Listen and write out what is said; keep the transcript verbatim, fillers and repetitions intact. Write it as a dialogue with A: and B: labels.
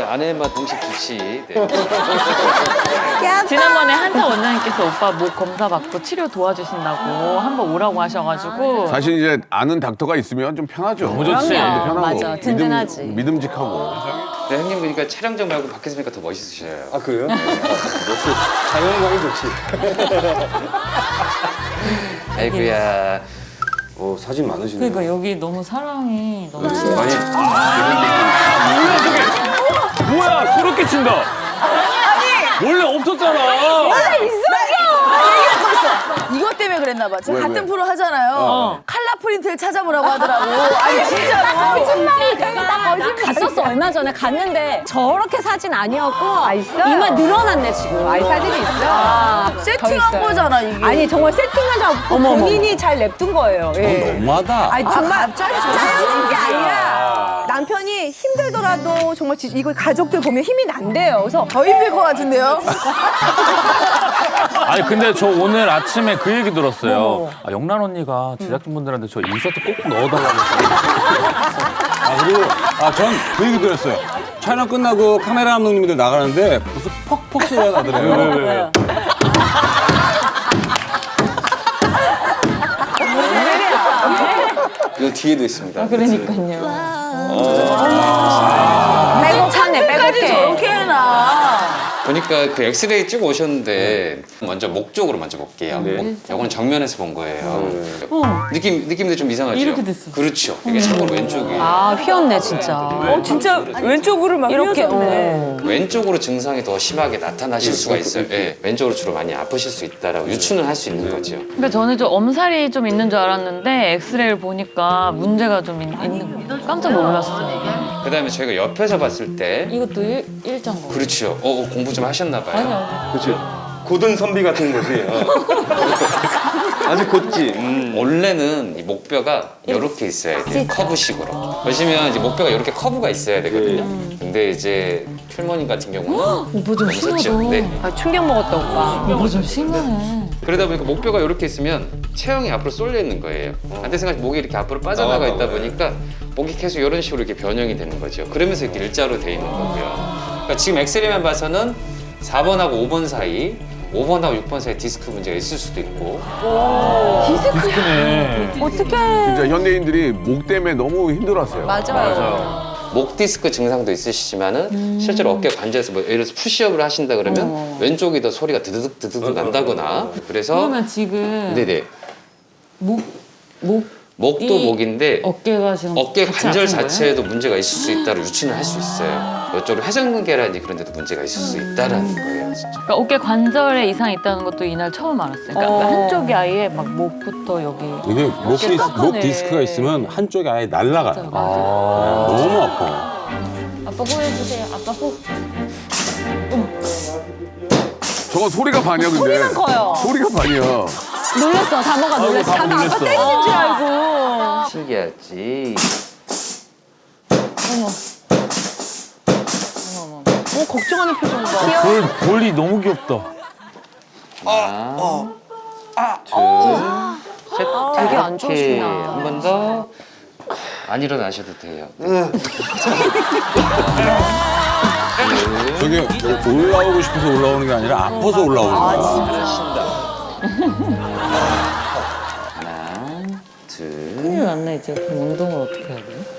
A: 아내만 동시 좋지. 네.
B: 지난번에 한자 원장님께서 오빠 목 검사 받고 치료 도와주신다고 한번 오라고 하셔가지고
C: 사실 이제 아는 닥터가 있으면 좀 편하죠.
D: 너무 좋지.
C: 마음도 편하고.
B: 맞아, 든든하지.
C: 믿음, 믿음직하고.
A: 네, 형님 보니까 촬영장 말고 밖에서 보니까 더 멋있으셔요.
E: 아 그래요? 네. 역시 자연광이 좋지.
A: 아이고야.
E: 오 사진 많으시네요.
B: 그러니까 여기 너무 사랑이 너무
E: 많이.
D: 뭐야, 그렇게 친다. 아니. 원래 없었잖아.
F: 이것 때문에 그랬나 봐. 제가
C: 왜,
F: 같은
C: 왜?
F: 프로 하잖아요.
C: 어.
F: 칼라 프린트를 찾아보라고 하더라고. 아니 진짜로.
G: 거짓말이 내가 갔었어 얼마 전에 갔는데 저렇게 사진 아니었고 아 있어 이만 늘어났네 지금 아이 사진이 있어 아,
F: 세팅한 거잖아 이게.
G: 아니 정말 세팅한 줄 알고 본인이 잘 냅둔 거예요 예.
D: 너무하다.
G: 아니 정말
F: 짜여진
G: 짜여진 게 아니라 남편이 힘들더라도 정말 지- 이거 가족들 보면 힘이 난대요 그래서
F: 더 힘들 것 같은데요?
D: 아니 근데 저 오늘 아침에 그 얘기 들었어요. 아, 영란 언니가 제작진분들한테 저 인서트 꼭 넣어달라고.
E: 아 그리고 아전 그 얘기 들었어요. 촬영 끝나고 카메라 감독님들 나가는데 무슨 퍽퍽 소리가 나더래요.
A: 이 뒤에도 있습니다.
B: 그러니까요.
G: 빼곡하네
F: 끝까지
G: 빼곡해
F: 저렇게 해놔.
A: 보니까 그 엑스레이 찍어 오셨는데 먼저 목 쪽으로 먼저 볼게요. 목, 이건 정면에서 본 거예요. 느낌 느낌도 좀 이상하죠.
B: 이렇게 됐어.
A: 그렇죠. 이게 참고로 왼쪽이
G: 아 휘었네 진짜
F: 어 진짜 왼쪽으로 막
G: 이렇게
F: 휘어졌네.
A: 왼쪽으로 증상이 더 심하게 나타나실 수가 있어요. 예, 왼쪽으로 주로 많이 아프실 수 있다라고 유추는 할 수 있는 거죠.
B: 그러니까 저는 좀 엄살이 좀 있는 줄 알았는데 엑스레이를 보니까 문제가 좀 있, 있는 거 깜짝 놀랐어요.
A: 그다음에 저희가 옆에서 봤을 때
B: 이것도 일, 일자인 거.
A: 그렇죠. 어, 어, 공부 좀 하셨나 봐요.
E: 그렇지. 고든 선비 같은 거지. 아주 곧지. 음.
A: 원래는 이 목뼈가 이렇게 있어야 돼요. 커브식으로. 보시면 이제 목뼈가 이렇게 커브가 있어야 되거든요. 근데 이제 필모님 같은 경우는
B: 오빠 좀
A: 너무
B: 심하다.
A: 섰죠. 네.
G: 아, 충격 먹었다 오빠
B: 오빠 좀 심하네.
A: 그러다 보니까 목뼈가 이렇게 있으면 체형이 앞으로 쏠려 있는 거예요. 안돼 생각 목이 이렇게 앞으로 빠져나가 있다 보니까 목이 계속 이런 식으로 이렇게 변형이 되는 거죠. 그러면서 이렇게 일자로 돼 있는 거고요. 그러니까 지금 엑스레이만 봐서는 사 번하고 오 번 사이, 오 번하고 육 번 사이 디스크 문제가 있을 수도 있고.
D: 디스크네.
G: 어떡해
C: 진짜 현대인들이 목 때문에 너무 힘들었어요.
F: 맞아요.
A: 목 디스크 증상도 있으시지만은 실제로 어깨 관절에서 뭐 예를 들어서 푸시업을 하신다 그러면 왼쪽이 더 소리가 드드득 드드득 난다거나 그래서
B: 그러면 지금
A: 네네
B: 목, 목,
A: 목도
B: 이
A: 목인데
B: 어깨가 지금
A: 어깨
B: 같이
A: 관절
B: 아픈 거예요?
A: 자체에도 문제가 있을 수 있다고 유추는 할 수 있어요. 이쪽으로 회전근개라든지 그런 데도 문제가 있을 수 있다라는 거예요. 진짜.
B: 그러니까 어깨 관절에 이상이 있다는 것도 이날 처음 알았어요. 그러니까
G: 어.
B: 한쪽이 아예 막 목부터 여기.
E: 이게 목, 디스, 목 디스크가 있으면 한쪽이 아예 날아가요. 너무 아파.
B: 아빠 호해주세요. 아빠 호.
C: 저거 소리가 반이야, 근데.
G: 소리만 커요
C: 소리가 반이야.
G: 놀랬어 다모가 놀랬어
D: 다모
G: 다모 아빠
D: 놀랬어.
G: 때리는 줄 알고
A: 신기하지.
G: 어 걱정하는 표정 봐
D: 볼, 볼이 너무 귀엽다.
A: 하나, 둘, 셋.
G: 되게 안
A: 이렇게
G: 좋으시구나.
A: 한 번 더. 안 일어나셔도 돼요.
E: 저게 올라오고 싶어서 올라오는 게 아니라 아파서 올라오는 거야.
A: 잘하신다. 하나, 둘.
B: 큰일 났네 이제. 그럼 운동을 어떻게 해야 돼?